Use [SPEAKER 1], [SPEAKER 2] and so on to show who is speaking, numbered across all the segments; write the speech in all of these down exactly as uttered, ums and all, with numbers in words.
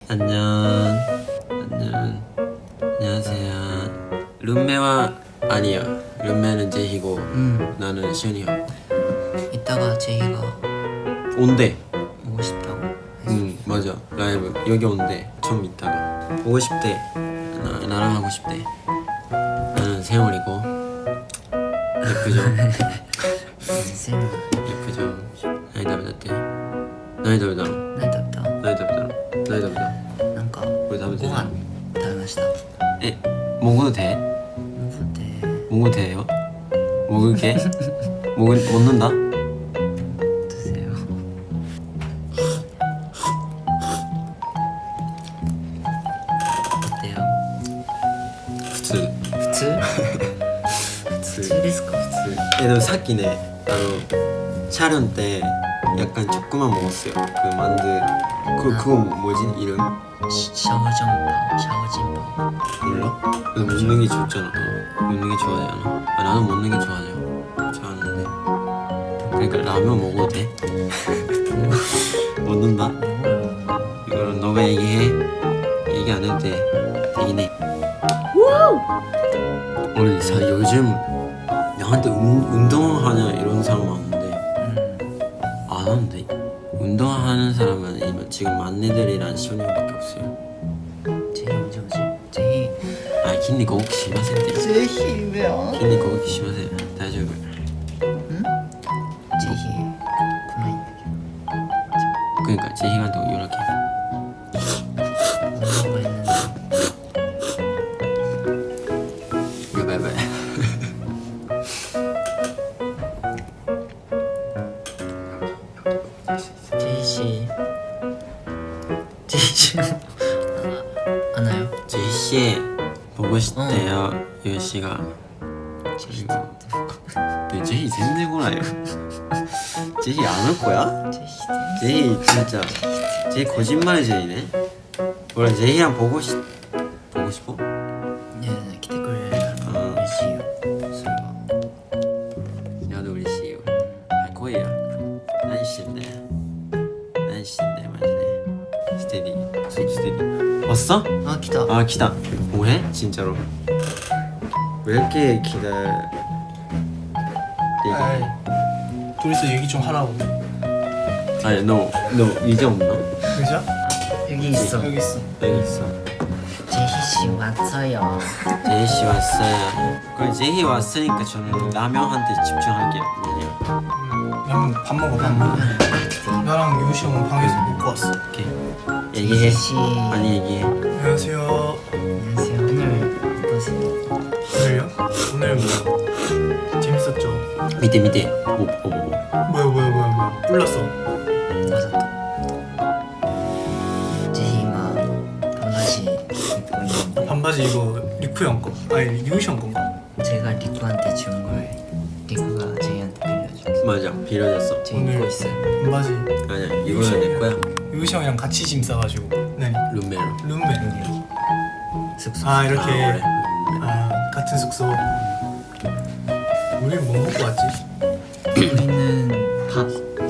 [SPEAKER 1] 안녕. 안녕. 안녕하세요. 룸메와 아니야. 룸메는 제희고
[SPEAKER 2] 음.
[SPEAKER 1] 나는 시현이야.
[SPEAKER 2] 이따가 제이가
[SPEAKER 1] 온대.
[SPEAKER 2] 오고 싶다고.
[SPEAKER 1] 응 맞아. 라이브 여기 온대. 좀 이따가 오고 싶대. 나, 나랑 하고 싶대. 나는 세월이고 예쁘죠?
[SPEAKER 2] 쌤
[SPEAKER 1] 예쁘죠? 나이 다르다. 나이 다르다.
[SPEAKER 2] 何食べた？
[SPEAKER 1] 나이 다르다. 나이 다르다.
[SPEAKER 2] なんか
[SPEAKER 1] 우리 다음에
[SPEAKER 2] ご飯食べました。
[SPEAKER 1] 에 먹어도 돼?
[SPEAKER 2] 먹을
[SPEAKER 1] 먹어도 돼요? 먹을게? 먹을 먹는다?
[SPEAKER 2] 드세요. 어때요?
[SPEAKER 1] 普通
[SPEAKER 2] 普通？
[SPEAKER 1] 普通
[SPEAKER 2] 普通ですか？
[SPEAKER 1] 예, 너 사키네. 나도 촬영 때 약간 조금만 먹었어요. 그 만두 그 그거 뭐지 이름?
[SPEAKER 2] 시- 샤오정빵, 샤오진빵.
[SPEAKER 1] 몰라? 너 먹는 게 좋잖아. 어, 먹는 게 좋아하잖아. 아, 나는 먹는 게 좋아하죠. 좋아하는데. 그러니까 라면 먹어도 돼? 먹는다?
[SPEAKER 2] 먹어요.
[SPEAKER 1] 이거는 너가 얘기해. 얘기 안 해도 돼. 되긴 해. 우리 사 요즘 나한테 운, 운동하냐 이런 사람 많은데
[SPEAKER 2] 음.
[SPEAKER 1] 안 하는데 운동하는 사람은 이- 지금 막내들이랑 시원이밖에 없어요.
[SPEAKER 2] 제이 언제 오지? 제이.
[SPEAKER 1] 아筋肉大きしませんって
[SPEAKER 2] 제이 왜요?
[SPEAKER 1] 筋肉大きしません大丈夫
[SPEAKER 2] 응? 제이 고마워.
[SPEAKER 1] 그러니까 제희한테 연락해.
[SPEAKER 2] 뭐라고 했는데.
[SPEAKER 1] 바이바이.
[SPEAKER 2] 제이 씨. 제이 씨. 안 와요?
[SPEAKER 1] 제희 씨 보고 싶대요. 유씨가
[SPEAKER 2] 제이.
[SPEAKER 1] 네, 제희 젠데 고나요. 제희 안 올 거야?
[SPEAKER 2] 제이 씨.
[SPEAKER 1] 제희 진짜 제희 거짓말의 제희네. 원래 제희랑 보고 싶 보고 싶어?
[SPEAKER 2] 네,来てくれるから嬉しいよ。それは。
[SPEAKER 1] 나도嬉しいよ. 할 거예요. 난 싫네. 난 싫네 마지네. 스테디. 속 스테디. 왔어?
[SPEAKER 2] 아, 来た。
[SPEAKER 1] 아 기다. 뭐해? 진짜로. 왜 이렇게 기다?
[SPEAKER 3] 아이,
[SPEAKER 1] 얘기.
[SPEAKER 3] 둘이서 얘기 좀 하라고.
[SPEAKER 1] 아니 너너 이제 없나?
[SPEAKER 3] 그죠?
[SPEAKER 2] 여기 있어.
[SPEAKER 3] 여기 있어.
[SPEAKER 1] 여기 있어.
[SPEAKER 2] 제희 씨 왔어요.
[SPEAKER 1] 제희 씨 왔어요. 그럼 제희 왔으니까 저는 라면한테 집중할게요. 미안해요.
[SPEAKER 3] 음, 밥 먹어, 밥 먹어. 나랑 유시 형은 방에서 먹고 왔어.
[SPEAKER 1] 오케이. 얘기해.
[SPEAKER 2] 제희 씨.
[SPEAKER 1] 많이 얘기해.
[SPEAKER 3] 안녕하세요.
[SPEAKER 2] 안녕하세요. 오늘 어떠세요?
[SPEAKER 3] 오늘요? 오늘 뭐 재밌었죠?
[SPEAKER 1] 밑에 밑에. 뭐 뭐 뭐.
[SPEAKER 3] 뭐야, 뭐야, 뭐야, 뭐야. 불렀어.
[SPEAKER 2] 맞아 또. 제희가 반바지 입고 있는데
[SPEAKER 3] 반바지 이거 리쿠 형 거. 아니 유시 형 건가?
[SPEAKER 2] 제가 리쿠한테 준 걸 리쿠가 제이한테 빌려줬어.
[SPEAKER 1] 맞아. 빌려줬어.
[SPEAKER 2] 제이
[SPEAKER 3] 오늘-
[SPEAKER 2] 입고 있어요.
[SPEAKER 3] 반바지
[SPEAKER 1] 아니야. 이거는 내 거야.
[SPEAKER 3] 유시 형이랑 같이 짐 싸가지고. 네.
[SPEAKER 1] 룸메로.
[SPEAKER 3] 룸메.
[SPEAKER 2] 여기 숙소.
[SPEAKER 3] 아 이렇게.
[SPEAKER 1] 아, 그래.
[SPEAKER 3] 아 같은 숙소. 우리 뭐 먹고 왔지?
[SPEAKER 2] 우리는 밥.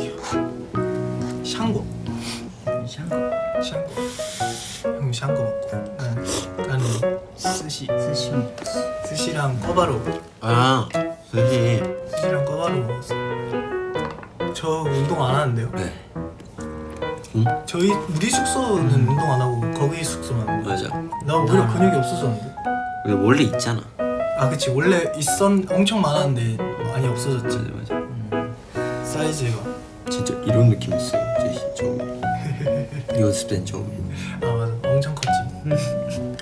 [SPEAKER 3] 샹궈.
[SPEAKER 2] 샹거.
[SPEAKER 3] 샹궈. 형 샹궈 먹고. 난, 나는 스시.
[SPEAKER 2] 스시 먹었어.
[SPEAKER 3] 스시랑 꿔바로.
[SPEAKER 1] 아, 스시.
[SPEAKER 3] 스시랑 꿔바로 먹었어. 저 운동 안 하는데요?
[SPEAKER 1] 네. 응?
[SPEAKER 3] 저희 우리 숙소는 운동 안 하고 거기 숙소만. 하는데.
[SPEAKER 1] 맞아.
[SPEAKER 3] 나 오히려 근육이 없어졌는데.
[SPEAKER 1] 근데 원래 있잖아.
[SPEAKER 3] 아 그치 원래 있었 엄청 많았는데 많이 없어졌지.
[SPEAKER 1] 맞아 맞아.
[SPEAKER 3] 사이즈가.
[SPEAKER 1] 진짜 이런 느낌 있어요. 제시 처음에. 연습 땐 처음에.
[SPEAKER 3] 아 맞아 엄청 컸지.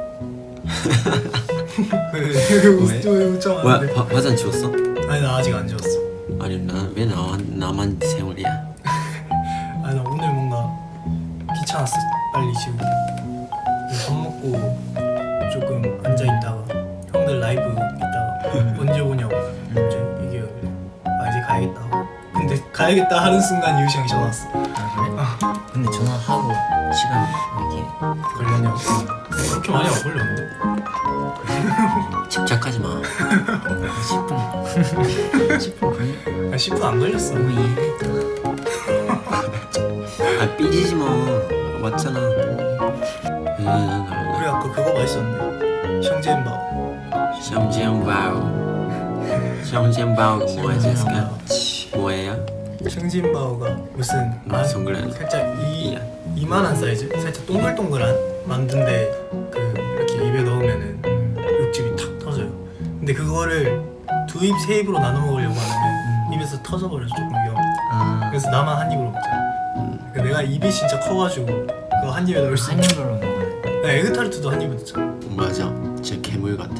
[SPEAKER 3] 왜
[SPEAKER 1] 왜?
[SPEAKER 3] 웃- 왜 웃죠?
[SPEAKER 1] 뭐야? 화, 화장 지웠어?
[SPEAKER 3] 아니 나 아직 안 지웠어.
[SPEAKER 1] 아니 나왜 나, 나만 세월이야?
[SPEAKER 3] 아니 나 오늘 뭔가 귀찮았어. 빨리 지우고. 밥 먹고 조금 앉아 있다가 형들 라이브 있다가 언제 오냐고 먼저 얘기하길래 아 이제 가야겠다 하고. 근데 가야겠다 하는 순간 유시 형이 전화 왔어.
[SPEAKER 2] 아 그래? 근데 전화하고 시간 이게
[SPEAKER 3] 걸렸냐고. 그렇게 많이 안 걸렸는데.
[SPEAKER 1] 집착하지 마.
[SPEAKER 2] 십 분 십 분 걸려?
[SPEAKER 3] 아 십 분 안 걸렸어.
[SPEAKER 2] 너무 이해했다.
[SPEAKER 1] 아 삐지지 마. 맞잖아. 응, 나
[SPEAKER 3] 우리 아까 그거 맛있었는데 샹지엔바오.
[SPEAKER 1] 샹지엔바오. 샹지엔바오가 뭐야, 제스카? 뭐예요?
[SPEAKER 3] 샹지엔바오가 무슨 아,
[SPEAKER 1] 동그란
[SPEAKER 3] 살짝 이
[SPEAKER 1] 이야.
[SPEAKER 3] 이만한 사이즈, 살짝 동글동글한 만두인데 그 이렇게 입에 넣으면은 육즙이 탁 터져요. 근데 그거를 두 입 세 입으로 나눠 먹으려고 하면 입에서 터져버려서 조금 위험해.
[SPEAKER 2] 아
[SPEAKER 3] 그래서 나만 한 입으로 먹자. 그 내가 입이 진짜 커가지고 그거 한 입에 넣을 수
[SPEAKER 2] 한
[SPEAKER 3] 있는.
[SPEAKER 2] 입으로 먹어요.
[SPEAKER 3] 나 에그타르트도 한 입에 넣잖아.
[SPEAKER 1] 맞아. 진짜 괴물 같아.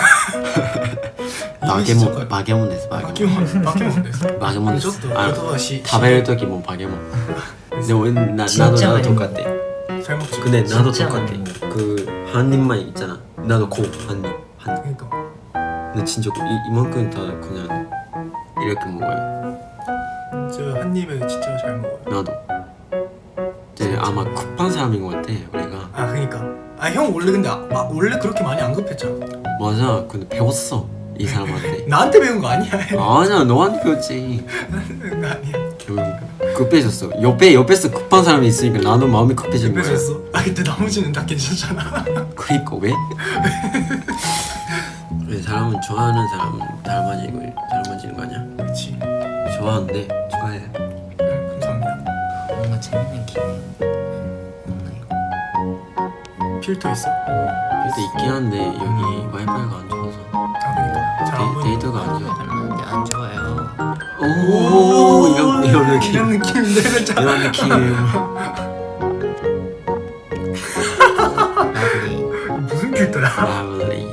[SPEAKER 3] 입이 진짜
[SPEAKER 1] 마개몬
[SPEAKER 3] 커요.
[SPEAKER 1] 마개몬 됐어. 마개몬.
[SPEAKER 3] 바뀌면 바뀌면 됐어.
[SPEAKER 1] 마개몬 됐어.
[SPEAKER 3] 저도
[SPEAKER 1] 아,
[SPEAKER 3] 저도 시
[SPEAKER 1] 다베를 떡이 뭐 마개몬. 근데 왜 나, 나도
[SPEAKER 2] 진짜
[SPEAKER 1] 나도
[SPEAKER 2] 많이
[SPEAKER 1] 똑같대.
[SPEAKER 3] 잘 먹지.
[SPEAKER 1] 근데 나도
[SPEAKER 2] 진짜
[SPEAKER 1] 똑같아.
[SPEAKER 2] 많이
[SPEAKER 1] 그 한 입만 있잖아. 나도 고한 입. 한 입.
[SPEAKER 3] 그러니까
[SPEAKER 1] 근데 진짜 이, 이만큼 다 그냥 이렇게 먹어요.
[SPEAKER 3] 저 한 입에 진짜 잘 먹어요.
[SPEAKER 1] 나도. 이제 아마 급한 사람인 것 같아 우리가.
[SPEAKER 3] 아 그러니까 아 형 원래 근데 아, 마, 원래 그렇게 많이 안 급했잖아.
[SPEAKER 1] 맞아. 근데 배웠어 이 사람한테.
[SPEAKER 3] 나한테 배운 거 아니야.
[SPEAKER 1] 아니야 너한테 배웠지.
[SPEAKER 3] 나한테 배운 거 아니야.
[SPEAKER 1] 급해졌어. 옆에 옆에서 급한 사람이 있으니까 나도 마음이 급해진 거야.
[SPEAKER 3] 급해졌어. 아 그때 나머지는 다 괜찮잖아.
[SPEAKER 1] 그니까 왜? 왜 사람은 좋아하는 사람은 닮아지고 닮아지는 거 아니야?
[SPEAKER 3] 그렇지.
[SPEAKER 1] 좋아하는데 좋아해.
[SPEAKER 3] 응, 감사합니다.
[SPEAKER 2] 뭔가 재밌는 기회 없나요?
[SPEAKER 3] 필터 있어?
[SPEAKER 1] 근데 있긴 한데 여기 와이파이가 안 좋아서
[SPEAKER 3] 아 그러니까 잘 안
[SPEAKER 1] 데,
[SPEAKER 3] 보여.
[SPEAKER 1] 데이터가 안 좋아.
[SPEAKER 2] 닮았는데 안 좋아요.
[SPEAKER 1] 오 이런 이런 느낌.
[SPEAKER 3] 이런 느낌인데 살짝.
[SPEAKER 1] 이런 느낌.
[SPEAKER 2] 러블리.
[SPEAKER 3] 무슨 필터야?
[SPEAKER 1] 라블리.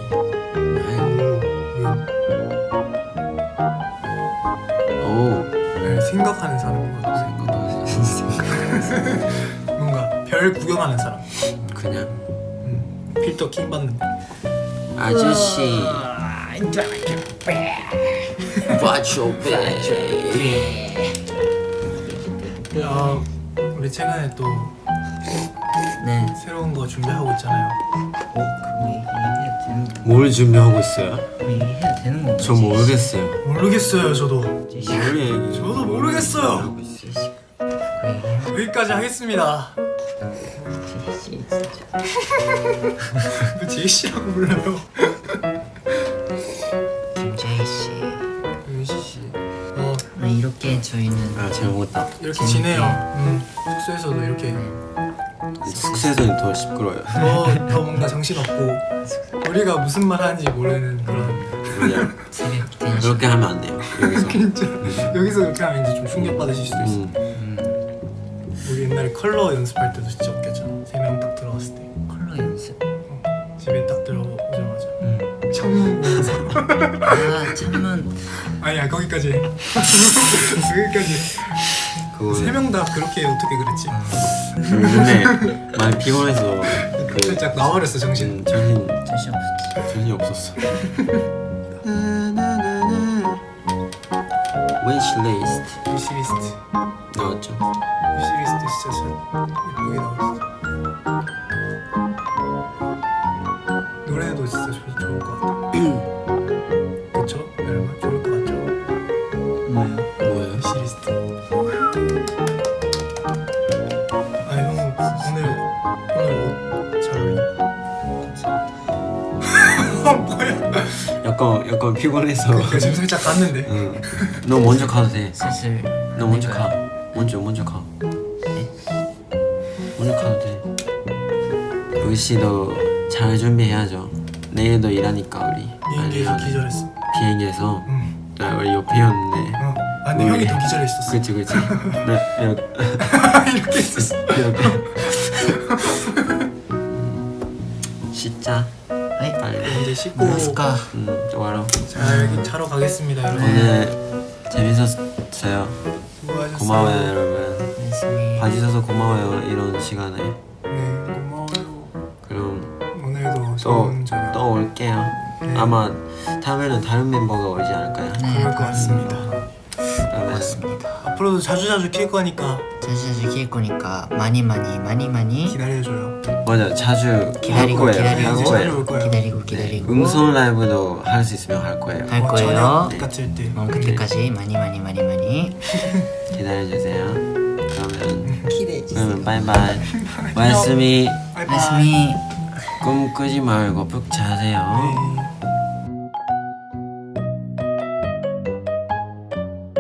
[SPEAKER 1] 오
[SPEAKER 3] 네, 생각하는 사람인 것 같아.
[SPEAKER 1] 생각도
[SPEAKER 3] 뭔가 별 구경하는 사람.
[SPEAKER 1] 그냥
[SPEAKER 3] 음, 필터 킹 받는데.
[SPEAKER 1] 아저씨. 봐줘
[SPEAKER 3] 아 우리 최근에 또
[SPEAKER 2] 네.
[SPEAKER 3] 새로운 거 준비하고 있잖아요.
[SPEAKER 2] 어 그거 얘기해야 되는 거
[SPEAKER 1] 뭘 준비하고 있어요?
[SPEAKER 2] 얘기해야 되는 건가?
[SPEAKER 1] 저 모르겠어요.
[SPEAKER 3] 모르겠어요 저도.
[SPEAKER 1] 뭘 얘기?
[SPEAKER 3] 저도 모르겠어요.
[SPEAKER 1] 하고 있어요?
[SPEAKER 3] 여기까지 하겠습니다.
[SPEAKER 2] 제이씨 진짜.
[SPEAKER 3] 왜 제이씨라고 불러요?
[SPEAKER 2] 김제이씨.
[SPEAKER 3] 은시씨. 어
[SPEAKER 2] 네, 이렇게 저희는
[SPEAKER 1] 아 잘 먹었다.
[SPEAKER 3] 이렇게 지내요. 음, 숙소에서도 이렇게
[SPEAKER 1] 숙소에서는 더 시끄러워요.
[SPEAKER 3] 더, 더 뭔가 정신없고 우리가 무슨 말 하는지 모르는 그런.
[SPEAKER 1] 그냥
[SPEAKER 2] 새벽 텐션.
[SPEAKER 1] 그렇게 하면 안 돼요. 여기서.
[SPEAKER 3] 진짜 여기서 그렇게 하면 이제 좀 충격 받으실 수도 있어.
[SPEAKER 1] 음.
[SPEAKER 2] 음,
[SPEAKER 3] 우리 옛날에 컬러 연습할 때도 진짜 웃겼잖아. 세 명 딱 들어갔을 때
[SPEAKER 2] 컬러 연습.
[SPEAKER 3] 집에 딱 들어오자마자
[SPEAKER 2] 음.
[SPEAKER 3] 창문 보면서
[SPEAKER 2] 아 참만.
[SPEAKER 3] 아니야 거기까지 해. 거기까지
[SPEAKER 1] 그거는
[SPEAKER 3] 세 명 다 그렇게 어떻게 그랬지?
[SPEAKER 1] 근데 많이 피곤해서 그
[SPEAKER 3] 살짝 나와버렸어 정신.
[SPEAKER 1] 음, 정신
[SPEAKER 2] 정신 없었지.
[SPEAKER 1] 정신이 없었어. 웨이시리스트
[SPEAKER 3] 위시리스트
[SPEAKER 1] 나왔죠?
[SPEAKER 3] 위시리스트 진짜 잘 예쁘게 나왔어. 노래도 진짜 좋, 좋을 것 같아. 그쵸? 여러분 좋을 것 같죠?
[SPEAKER 2] 뭐요?
[SPEAKER 1] 뭐예요?
[SPEAKER 3] 위시리스트. 아 형 오늘 오늘 옷 잘 어울린다. 어 뭐야?
[SPEAKER 1] 약간 약간 피곤해서.
[SPEAKER 3] 그 지금 살짝 갔는데.
[SPEAKER 1] 응. 너 먼저 가도 돼.
[SPEAKER 2] 슬슬.
[SPEAKER 1] 너 먼저 가.
[SPEAKER 2] 할까요?
[SPEAKER 1] 먼저 먼저 가.
[SPEAKER 2] 네.
[SPEAKER 1] 먼저 가도 돼. 우리 씨도 잘 준비해야죠. 내일도 일하니까 우리.
[SPEAKER 3] 비행기에서
[SPEAKER 1] 아니면
[SPEAKER 3] 기절했어.
[SPEAKER 1] 비행기에서
[SPEAKER 3] 응.
[SPEAKER 1] 나 우리 옆이었는데.
[SPEAKER 3] 어. 아 근데
[SPEAKER 1] 우리-
[SPEAKER 3] 형이 더 기절했었어.
[SPEAKER 1] 그치 그치. 나 이렇게
[SPEAKER 3] 이렇게 했었어.
[SPEAKER 1] 이렇게. 씻자.
[SPEAKER 2] 아이.
[SPEAKER 1] 빨리.
[SPEAKER 3] 이제 씻고
[SPEAKER 2] 마스카.
[SPEAKER 1] 음, 좋아요.
[SPEAKER 3] 자 여기 자러 가겠습니다 여러분.
[SPEAKER 1] 오늘 재밌었어요.
[SPEAKER 3] 수고하셨어요.
[SPEAKER 1] 고마워요 여러분.
[SPEAKER 2] 고맙습니다.
[SPEAKER 1] 봐주셔서 고마워요 이런 시간에.
[SPEAKER 3] 네 고마워요.
[SPEAKER 1] 그럼
[SPEAKER 3] 오늘도
[SPEAKER 1] 또
[SPEAKER 3] 좋은 저녁.
[SPEAKER 1] 또 올게요.
[SPEAKER 3] 네.
[SPEAKER 1] 아마 다음에는 다른 멤버가 오지 않을까요?
[SPEAKER 2] 네,
[SPEAKER 3] 그럴 것 같습니다.
[SPEAKER 1] 그러면
[SPEAKER 2] 고맙습니다.
[SPEAKER 3] 앞으로도 자주 자주 킬 거니까
[SPEAKER 2] 자주 킬 거니까 많이 많이 많이 많이
[SPEAKER 3] 기다려줘요.
[SPEAKER 1] 맞아 자주 할
[SPEAKER 2] 기다리고
[SPEAKER 1] 거예요.
[SPEAKER 2] 기다리고
[SPEAKER 1] 할
[SPEAKER 3] 자주
[SPEAKER 1] 거예요.
[SPEAKER 3] 올 거예요.
[SPEAKER 2] 기다리고 기다리고
[SPEAKER 1] 음성 라이브도 할 수 있으면 할 거예요.
[SPEAKER 2] 할
[SPEAKER 3] 어,
[SPEAKER 2] 거예요.
[SPEAKER 3] 저녁 같을 때.
[SPEAKER 2] 어, 그때까지 많이 많이 많이 많이
[SPEAKER 1] 기다려 주세요. 그러면
[SPEAKER 3] 기대.
[SPEAKER 2] 해주세요.
[SPEAKER 1] 응 바이바이. 와이스미
[SPEAKER 3] 바이바이.
[SPEAKER 2] 말씀이
[SPEAKER 1] 꿈 꾸지 말고 푹 자세요.
[SPEAKER 3] 네.